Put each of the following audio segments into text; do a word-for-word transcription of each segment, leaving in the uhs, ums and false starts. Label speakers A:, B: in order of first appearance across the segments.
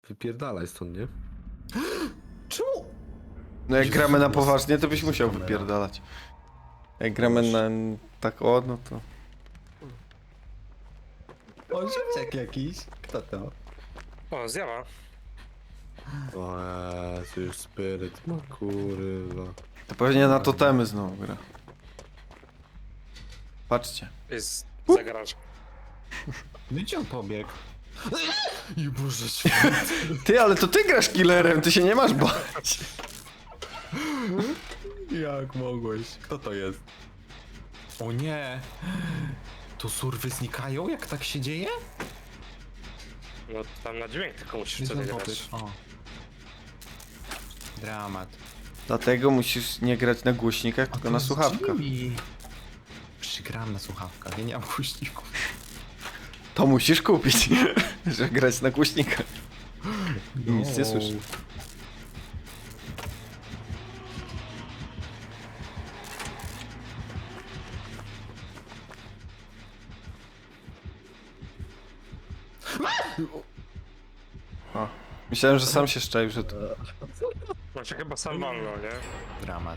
A: Wypierdalaj stąd, nie?
B: Czemu?
C: No jak
A: Jezus,
C: gramy na
A: jest-
C: poważnie, to byś
B: jest
C: musiał
B: kamera.
C: wypierdalać. Jak gramy na tak o, no to...
B: O, ziemniak jakiś. Kto to?
D: O, zjawa.
A: O Jezu, już spiryt, no kurwa.
C: To pewnie na totemy znowu gra. Patrzcie.
D: Jest za garaż.
B: No gdzie on pobiegł? I Boże
C: Ty, ale to ty grasz killerem, ty się nie masz bać.
B: Jak mogłeś? Kto to jest? O nie! To surwy znikają, jak tak się dzieje?
D: No tam na dźwięk tylko musisz
B: Jest
D: wtedy
B: tam
D: grać.
B: popyt. O. Dramat.
C: Dlatego musisz nie grać na głośnikach, tylko na słuchawkach.
B: Przygram na słuchawkach, ja nie mam głośników.
C: To musisz kupić, że grać na głośnikach. I nic nie słyszę. O, myślałem, że sam się szczaił, że to...
D: No się chyba sam walnął, nie?
B: Dramat.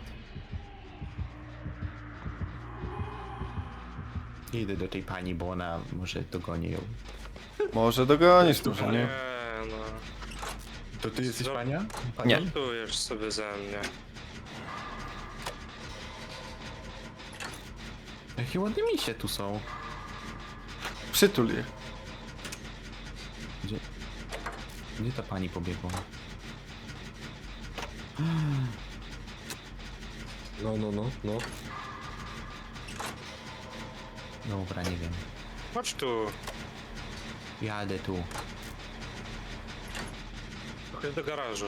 B: Idę do tej pani, bo ona może dogoni ją.
C: Może dogonisz, może
D: Nie,
C: nie.
D: no.
B: To ty jesteś
D: No.
B: pania? Pani?
C: Nie.
D: Żartujesz sobie ze mnie.
B: Jakie ładne misie tu są.
C: Przytul je.
B: Gdzie? Gdzie ta pani pobiegła?
A: No, no, no, no.
B: Dobra, nie wiem.
D: Chodź tu.
B: Jadę tu.
D: Chodź do garażu.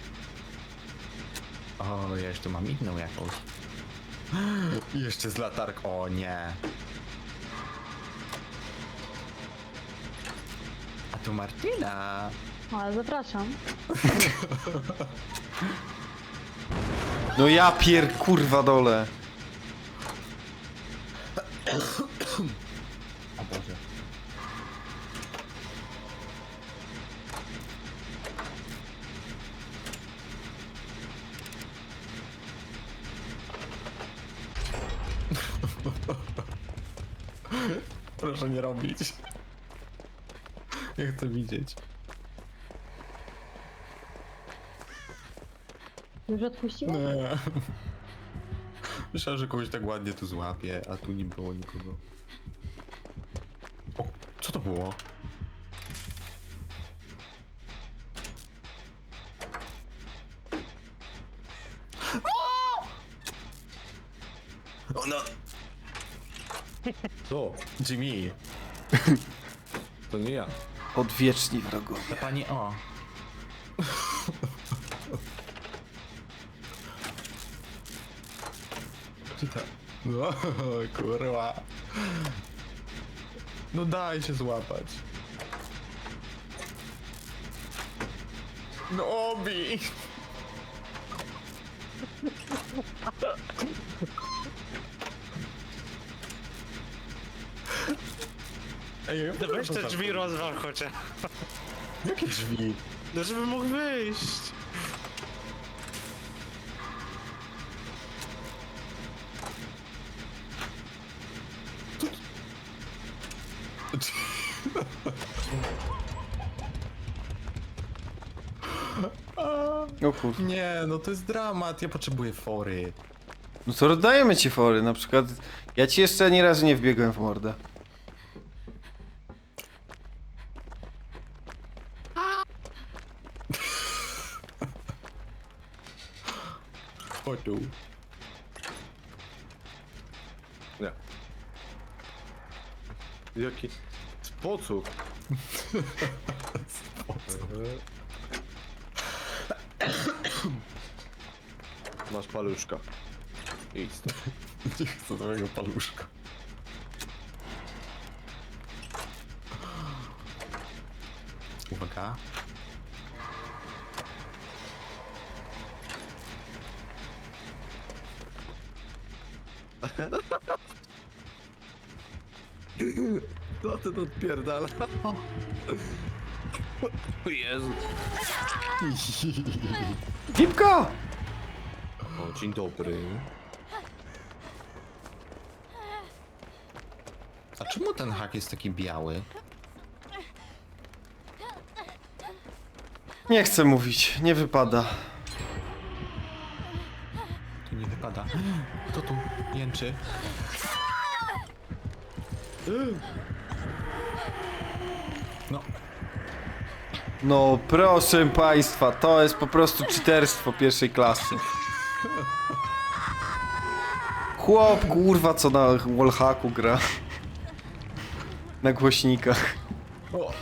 B: O, ja jeszcze mam inną jakąś. Jeszcze z latark. O nie. A tu Martyna.
E: Ale zapraszam.
C: No ja pier kurwa dole.
B: O Boże. Proszę nie robić. Ja chcę widzieć.
E: Już odpuściłeś?
B: Nie. Myślałem, że kogoś tak ładnie tu złapie, a tu nie było nikogo. O, co to było? Ona...
A: Co?
B: Jimmy,
A: To nie ja.
C: Odwieczni wrogowie.
B: ta pani o. Czy ta... No, kurwa. No daj się złapać. No obi! Ej, ja
D: No weź te drzwi rozwal chociaż.
B: Jakie drzwi?
D: No żeby mógł wyjść.
C: O kur...
B: Nie, no to jest dramat, ja potrzebuję fory.
C: No to rozdajemy ci fory, na przykład... Ja ci jeszcze ani razu nie wbiegłem w mordę.
B: Chodź tu.
A: Nie. Jaki? Sposób. Masz paluszka. Idź stąd.
B: Nie chcę twojego paluszka. Uwaga.
A: Co ty tu odpierdala? Jezu.
C: Pipko!
A: O, dzień dobry.
B: A czemu ten hak jest taki biały?
C: Nie chcę mówić, nie wypada.
B: Tu nie wypada. Kto tu jęczy? No,
C: No proszę państwa, to jest po prostu czyterstwo pierwszej klasy. Chłop, kurwa, co na wallhacku gra. Na głośnikach.
B: o,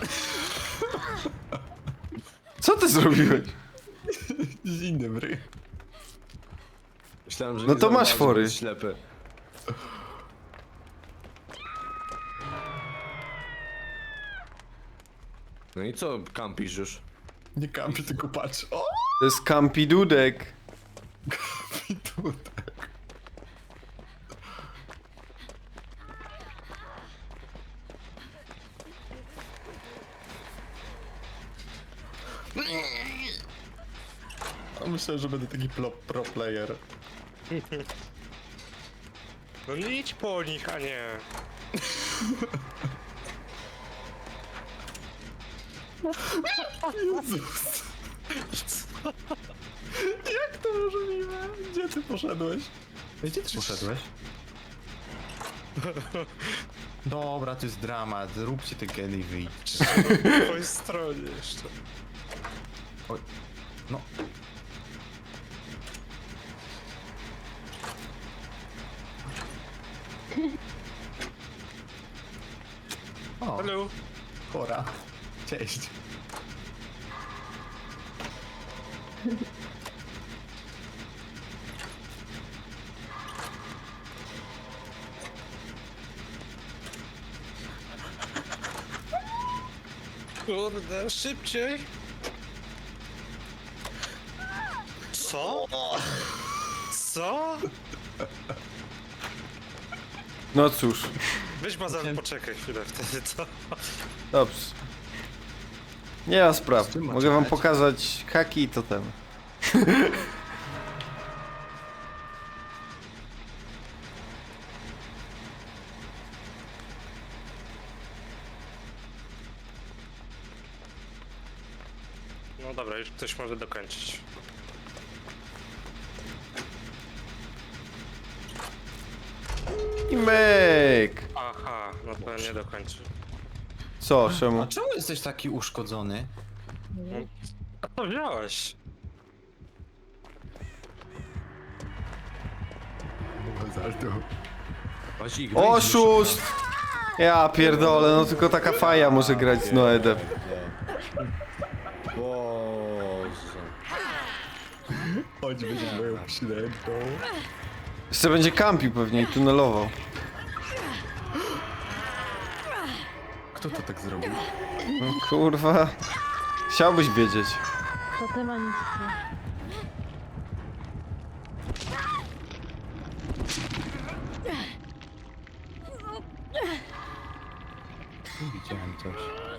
C: Co ty zrobiłeś?
B: dzień dobry.
A: Myślałem, że
C: No
A: nie
C: to masz
A: zauważy,
C: fory.
A: że jest ślepy. No i co kampisz już?
B: Nie kampię, tylko patrz. O!
C: To jest kampidudek.
B: I tutaj. A myślę, że będę taki pro, pro player.
D: No nie idź po nich, a nie.
B: Jezus. Jak to możliwe? Gdzie ty poszedłeś? Gdzie ty poszedłeś? Dobra, to jest dramat. Róbcie te geny i wyjdźcie.
D: Po twojej stronie jeszcze.
B: Oj. No. O,
D: Hello.
B: chora. Cześć.
D: Kurde, szybciej. Co? Co?
C: No cóż,
D: Weź Mazan, poczekaj chwilę wtedy, co?
C: dobrze. Nie ma spraw.
B: czym ma
C: Mogę wam
B: czekać?
C: pokazać haki i totem.
D: No dobra, już ktoś może dokończyć.
C: I myk!
D: Aha, no to nie dokończy.
C: Co, czemu?
B: A czemu jesteś taki uszkodzony?
D: A to wziąłeś.
A: Właśnie ich wyjdzie
C: Oszust! Ja pierdolę, no tylko taka faja może grać z Noedem.
A: Boże.
B: Choćbyś był średnią.
C: Jeszcze będzie kampił pewnie i tunelował.
B: Kto to tak zrobił?
C: No, kurwa. Chciałbyś wiedzieć.
E: Totem ani nic.
B: Widziałem coś.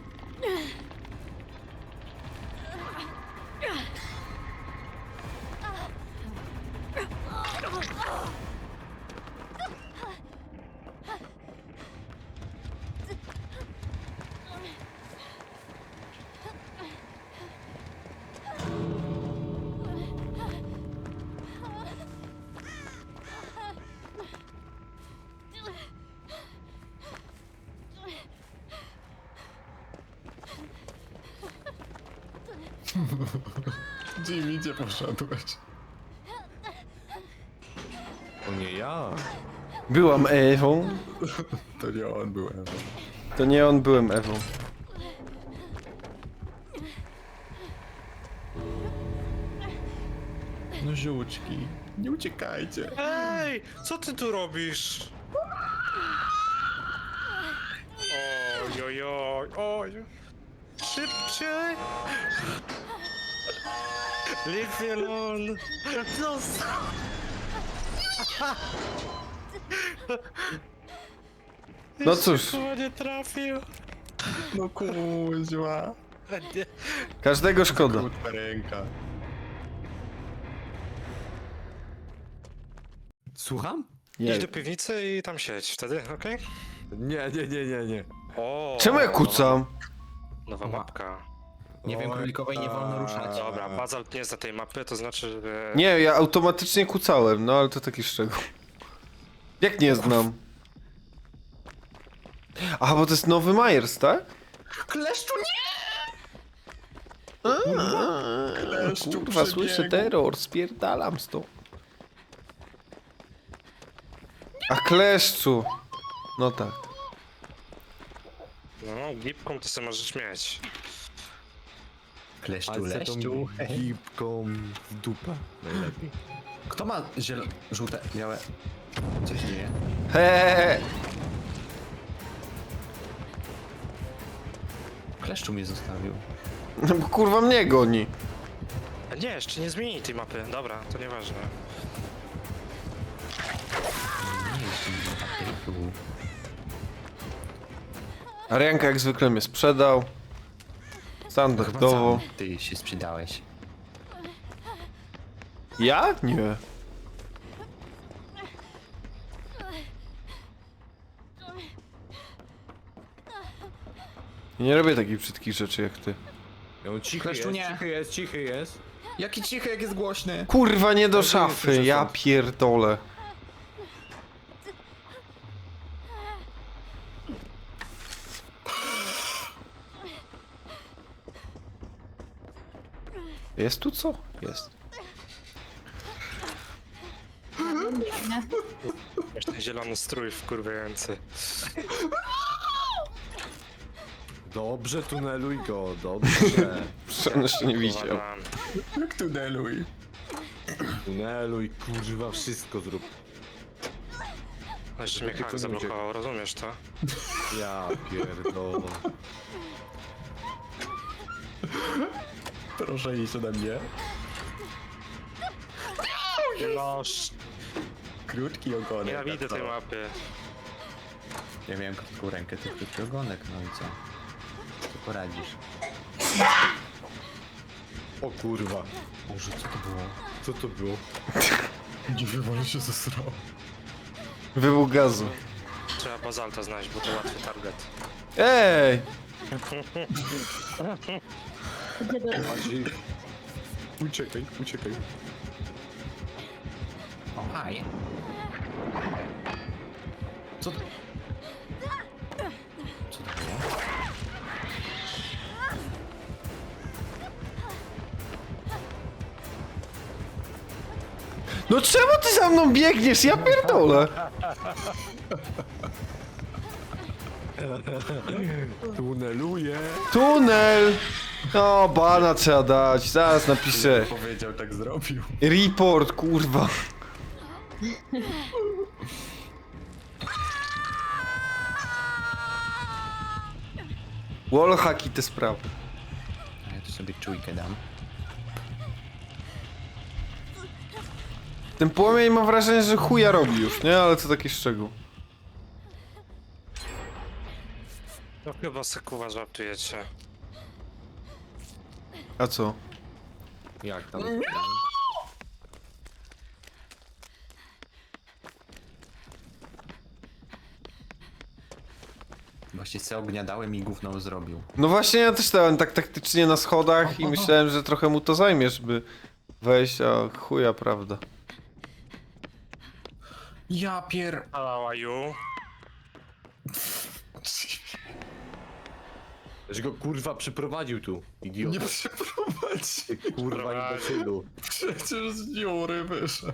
B: Jimmy, gdzie poszedłeś?
A: To nie ja.
C: Byłam Ewą.
B: To nie on był Ewa.
C: To nie on, byłem Ewą.
B: No żółczki, nie uciekajcie.
D: Ej, co ty tu robisz? Oj, oj, oj, oj. Szybciej. Leave me alone. Zostaw.
C: No cóż.
D: Jeszcze chyba nie trafił.
B: No kuźwa.
D: Nie.
C: Każdego szkoda.
B: Krótka ręka.
A: Słucham?
C: Nie.
D: Idź do piwnicy i tam siedź, wtedy, okej?
A: Nie, nie, nie, nie, nie.
D: O.
C: Czemu ja kucam?
D: Nowa, nowa mapka.
B: Nie wiem,
A: Oj,
B: królikowej nie wolno
A: tak.
B: ruszać.
D: Dobra, Bazalt nie zna tej mapy, to znaczy, że...
C: Nie, ja automatycznie kucałem, no ale to taki szczegół. Jak nie znam? Aha, bo to jest nowy Myers, tak?
B: Kleszczu nie! Kleszczu
C: Kurwa, słyszę
B: przebiegł.
C: terror, spierdalam stąd. A kleszczu! No tak.
D: No, gipką to sobie możesz mieć.
B: Kleszczu,
A: Ale tą
B: leszczu.
A: gipką w dupę. Najlepiej.
B: Kto ma zielone, żółte, białe? Co się dzieje?
C: Heee.
B: Kleszczu mnie zostawił.
C: No bo kurwa mnie goni.
D: A nie, jeszcze nie zmienili tej mapy. Dobra, to nieważne.
B: Nie jestem na papieru.
C: Arianka jak zwykle mnie sprzedał. Standardowo.
B: sam ty się sprzedałeś.
C: Ja? Nie. Nie robię takich brzydkich rzeczy jak ty.
A: Ja on cichy
B: Kleszczu
A: jest,
B: nie.
A: cichy jest, cichy jest.
B: Jaki cichy, jak jest głośny.
C: Kurwa, nie do
A: Ale to nie
C: szafy,
A: słyszę
C: ja
A: stąd.
C: pierdolę. Jest tu co? Jest.
E: Nie.
D: Masz ten zielony strój wkurwiający.
A: Dobrze, tuneluj go, dobrze.
C: On jeszcze nie widział.
D: Uważam.
B: Jak tuneluj.
A: Tuneluj, kurwa, wszystko zrób.
D: No jeszcze mnie
A: Tylko
D: hak
A: nie
D: zablokował, rozumiesz to?
A: Ja pierdolę.
B: Proszę iść ode mnie.
D: No, sz-
B: Krótki ogonek.
D: nienawidzę
B: tak
D: tej
B: to.
D: mapy.
B: Ja miałem krótką rękę, ty krótki ogonek, no i co? Co poradzisz?
A: O kurwa.
B: Boże, co to było?
A: Co to było?
B: Nie wiem, ale się zesrał.
C: Wybuch gazu.
D: Trzeba Bazalta znaleźć, bo to łatwy target.
C: Ej!
E: Gdzie do...
A: Maciej. Uciekaj, uciekaj.
B: O, haj. Co to? Co to było?
C: No czemu ty za mną biegniesz? Ja pierdolę.
A: Tuneluję.
C: Tunel! O, bana trzeba dać. Zaraz napiszę.
B: Powiedział, tak zrobił.
C: Report, kurwa. Wallhack i te sprawy.
B: A ja tu sobie czujkę dam.
C: Ten płomień mam wrażenie, że chuja robi już, nie? Ale to taki szczegół.
D: No chyba sekuwa żartujecie.
C: A co?
A: Jak tam?
B: Właśnie se ognia dałem i gówno zrobił.
C: No właśnie ja też stałem tak taktycznie na schodach i myślałem, że trochę mu to zajmie, żeby wejść, a chuja prawda.
B: Ja pier...
D: Hello, are you?
A: Że go kurwa przyprowadził tu, idiot.
B: Nie przeprowadzi.
A: Kurwa imbecylu.
B: Przecież z dziury wyszedł.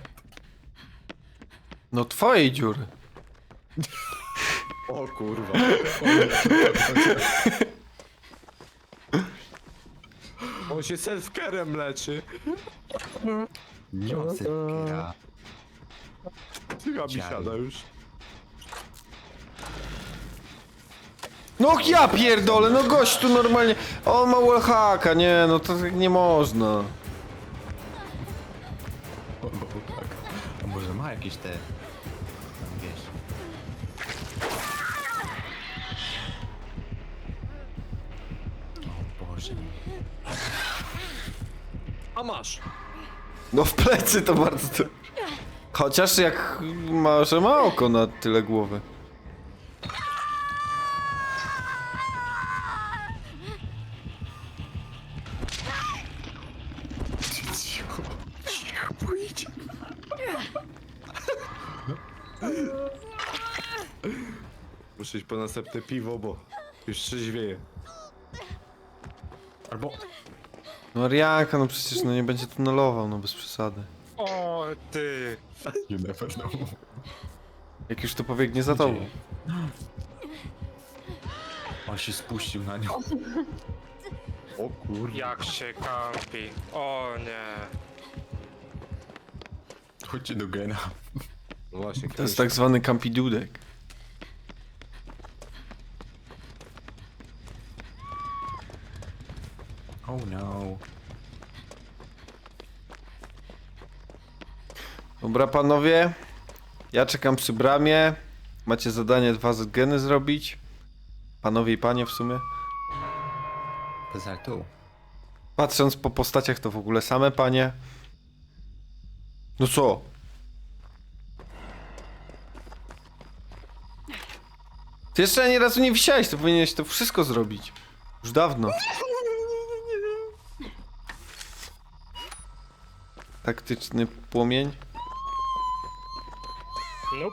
C: No twojej dziury.
A: O kurwa. On się self-carem leczy.
B: Nie ma self-care'a.
A: Chyba mi
B: Ciao.
A: siada już.
C: No ja pierdolę, no gość tu normalnie. On ma wallhacka, nie, no to tak nie można.
B: O, bo tak. A może ma jakieś te... Tam wiesz... O Boże.
A: masz. A masz.
C: No w plecy to bardzo to... Chociaż jak ma, że ma oko na tyle głowy.
B: Cicho, cicho, pójdź.
A: Muszę iść po następne piwo, bo już trzeźwieje.
B: Albo...
C: No Arianka, no przecież no nie będzie tunelował, no bez przesady.
D: O, ty.
B: You never know.
C: Jak już to pobiegnie za tobą.
B: On się spuścił na nią.
A: O kurde.
D: Jak się kampi. O nie.
B: Chodźcie do gena.
A: No właśnie,
C: To jest tak zwany kampidudek.
B: Oh no.
C: Dobra panowie, ja czekam przy bramie. Macie zadanie dwa geny zrobić. Panowie i panie w sumie.
B: Poza tu.
C: Patrząc po postaciach to w ogóle same panie. No co? Ty jeszcze ani razu nie wisiałeś, to powinieneś to wszystko zrobić. Już dawno. Taktyczny płomień.
D: Nope.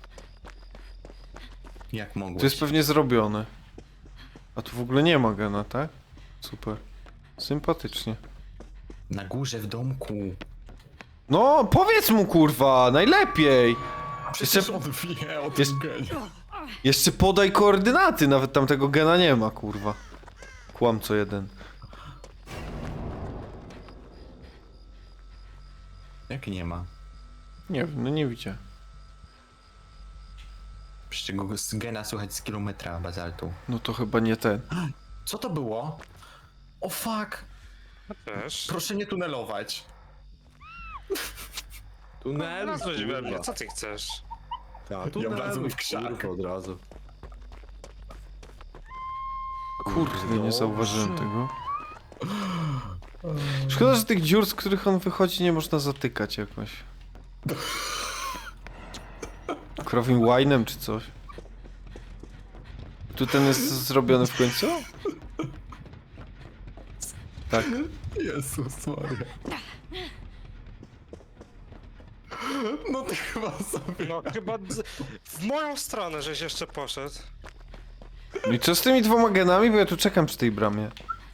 B: Jak mogłeś?
C: To jest pewnie zrobione. A tu w ogóle nie ma gena, tak? Super. Sympatycznie.
B: Na górze w domku.
C: No, powiedz mu kurwa, najlepiej.
B: Przecież on wie o
C: Jest-
B: tym genie.
C: Jeszcze podaj koordynaty, nawet tam tego gena nie ma, kurwa. Kłamco jeden.
B: Jak nie ma?
C: Nie wiem, no nie widziałem.
B: Przecież go z gena słychać z kilometra bazaltu.
C: No to chyba nie ten.
B: Co to było? O fuck!
D: Ja też.
B: Proszę nie tunelować.
A: Tunel,
D: Nazwać we mnie,
A: kurwa.
D: co ty chcesz?
A: Ja, tunel,
B: wlazłem w krzak.
A: kurwa, od razu.
C: Kurde, nie zauważyłem tego. Szkoda, że tych dziur, z których on wychodzi, nie można zatykać jakoś. Krowim łajnem czy coś. Tu ten jest zrobiony w końcu? Tak.
B: Jezus Maria. No ty chyba sobie...
D: No chyba d- w moją stronę żeś jeszcze poszedł.
C: No i co z tymi dwoma genami? Bo ja tu czekam przy tej bramie.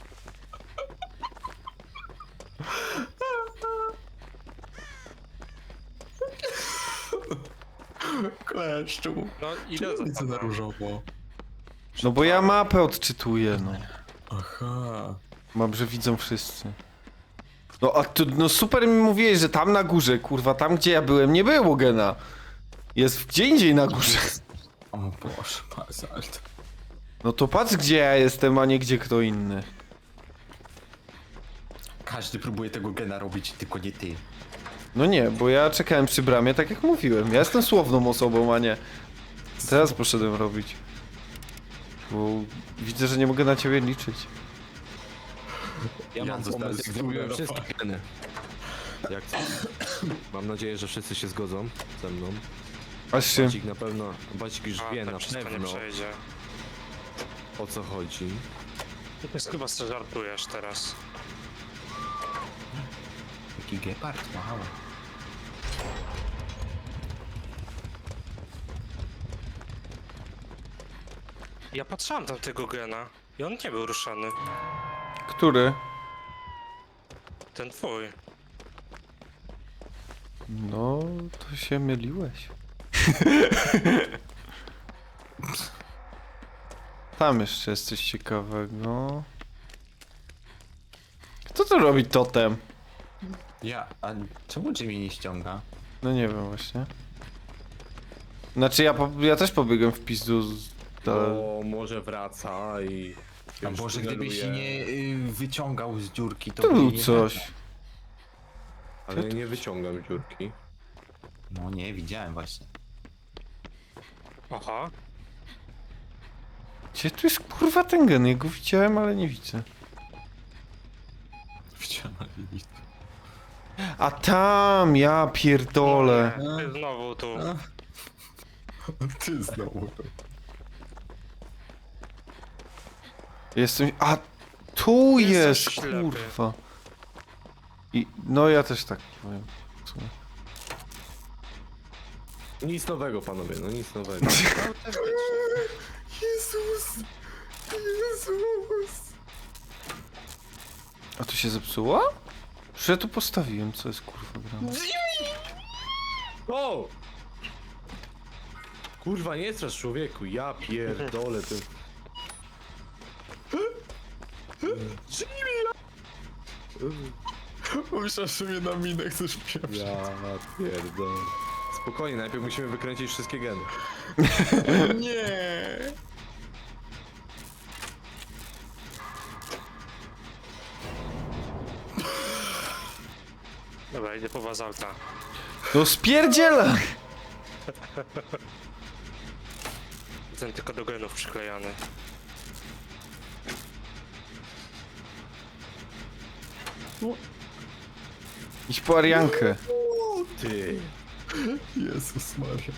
B: Kleszczu.
D: No idę za
B: Widzę na
D: tobą.
B: różowo.
C: No bo ja mapę odczytuję, no.
B: Aha.
C: Mam, że widzą wszyscy. No a tu, no super mi mówiłeś, że tam na górze, kurwa, tam gdzie ja byłem nie było gena. Jest gdzie indziej na górze.
B: O Boże, bazalt.
C: No to patrz gdzie ja jestem, a nie gdzie kto inny.
B: Każdy próbuje tego gena robić, tylko nie ty.
C: No nie, bo ja czekałem przy bramie, tak jak mówiłem. Ja jestem słowną osobą, a nie. Teraz poszedłem robić. Bo widzę, że nie mogę na ciebie liczyć.
A: Ja
B: Ja
A: mam
B: zostałem
A: pomysł, jak zrobiłem
B: zdenerwowany.
A: wszystkie geny. Jak co? Mam nadzieję, że wszyscy się zgodzą ze mną.
C: Aż się...
A: Bacik na pewno, Bacik już
D: A,
A: wie
D: tak
A: na
D: wszystko nie
A: pewno
D: przejdzie.
A: o co chodzi.
D: Ty chyba sobie żartujesz teraz.
B: Jaki gepard, wow.
D: Ja patrzyłem tam tego gena i on nie był ruszany.
C: Który?
D: Ten twój.
C: No, to się myliłeś. Tam jeszcze jest coś ciekawego. Kto to robi totem?
B: Ja, a czemu Jimmy nie ściąga?
C: No nie wiem właśnie. Znaczy ja, po, ja też pobiegłem w pizdu z...
A: Bo może wraca i...
B: A
A: już
B: Boże, gdybyś
A: tuneluje,
B: nie y, wyciągał z dziurki, to
C: Tu
B: by
C: był
B: nie
C: coś.
B: wracał.
A: Ale nie wyciągam dziurki.
B: No nie, widziałem właśnie.
D: Aha.
C: Gdzie tu jest kurwa ten gen? Ja go widziałem, ale nie widzę.
B: ściana iść.
C: A tam, ja pierdolę.
D: Ty znowu tu.
B: Ty znowu to.
C: Jestem... A tu
D: Jesteś
C: jest,
D: ślepy.
C: kurwa. I, no ja też tak powiem. w sumie.
A: Nic nowego, panowie, no nic nowego.
B: Jezus! Jezus!
C: A to się zepsuło? Że ja tu postawiłem, co jest kurwa grane.
A: O! Kurwa, nie strasz człowieku, ja pierdolę ty.
B: Myślałem, że mnie na minę chcesz pieprzyć.
A: Ja pierdolę. Spokojnie, najpierw musimy wykręcić wszystkie geny.
B: Nie!
D: Dobra, idę po bazalta.
C: No spierdziela!
D: Ten tylko do genów przyklejany.
C: Idź po Ariankę.
A: Ty.
B: Jezus Maria.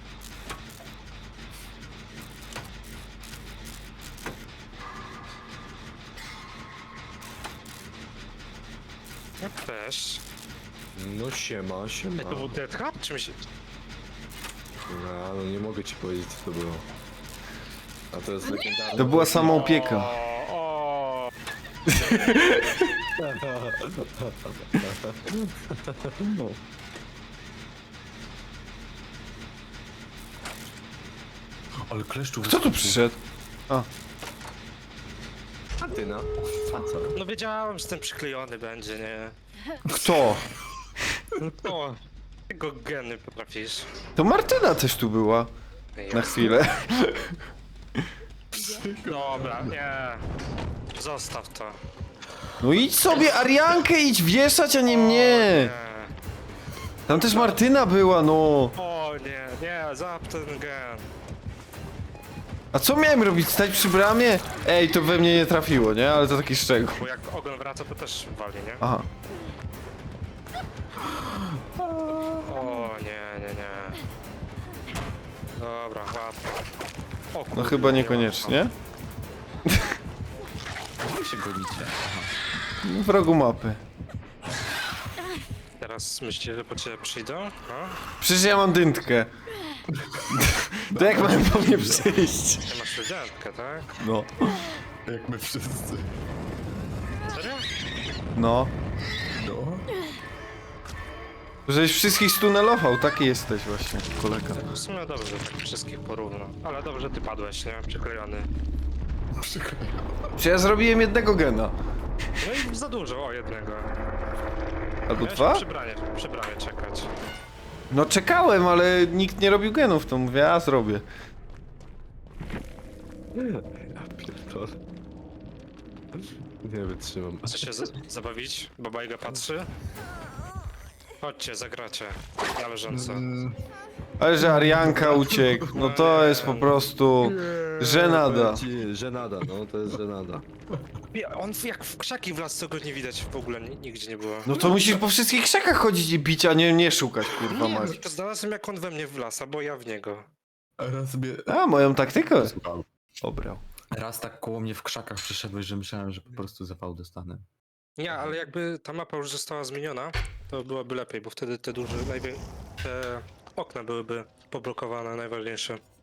D: Jak też.
A: No siema, siema.
D: To był Death Hub? Czy mi się...
A: No, no nie mogę ci powiedzieć co to było. A to jest legendarne.
C: To była sama opieka.
D: O, o.
B: Ale kleszczu
C: Kto tu przyszedł?
A: Martyna. A co?
D: No wiedziałem, że ten przyklejony będzie, nie?
C: Kto?
D: O, tego geny potrafisz.
C: To Martyna też tu była. Na chwilę.
D: Dobra, nie. Zostaw to.
C: No idź sobie Ariankę, idź wieszać, a nie mnie. Tam też Martyna była, no.
D: O nie, nie, zap ten gen.
C: A co miałem robić? Stać przy bramie? Ej, to we mnie nie trafiło, nie? Ale to taki szczegół.
D: Bo jak ogon wraca, to też wali, nie?
C: Aha.
D: O nie, nie, nie. Dobra, łatwo. O,
C: No
D: kurde,
C: chyba
D: nie
C: niekoniecznie.
B: Gdzie się gonicie?
C: W rogu mapy.
D: łatwo. Teraz myślicie, że po ciebie przyjdą? No?
C: Przecież ja mam dyntkę. To jak mają po mnie przyjść?
D: Ty masz studiantkę, tak?
C: No.
B: Jak my wszyscy.
D: Serio?
C: No.
B: No.
C: Żeś wszystkich stunelował, taki jesteś właśnie, kolega.
D: W sumie dobrze, że tak wszystkich porówno. Ale dobrze, że ty padłeś, nie? Przyklejony.
B: Przykro.
C: Czy ja zrobiłem jednego gena?
D: No i za dużo, o jednego.
C: Albo
D: Miałeś
C: dwa?
D: przy bramie, przy bramie czekać.
C: No czekałem, ale nikt nie robił genów, to mówię, a zrobię.
A: Ja pierdolę. Nie wytrzymam.
D: Chce się z- zabawić? Babajga patrzy? Chodźcie, zagracie. Na leżąco.
C: Ale że Arianka uciekł, no to jest po prostu żenada.
A: Powiem ci, Żenada, no to jest żenada.
D: Nie, on jak w krzaki wlazł, to go nie widać w ogóle, ni- nigdzie nie było.
C: No to musisz po wszystkich krzakach chodzić i bić, a nie, nie szukać, kurwa
D: Nie,
C: mać.
D: to znalazłem jak on we mnie wlasa, bo ja w niego.
B: Raz sobie...
C: A, moją taktykę
B: Słucham.
C: obrał.
B: Raz tak koło mnie w krzakach przyszedłeś, że myślałem, że po prostu zawał dostanę.
D: Nie, ale jakby ta mapa już została zmieniona, to byłoby lepiej, bo wtedy te duże, najwię... te okna byłyby poblokowane, najważniejsze.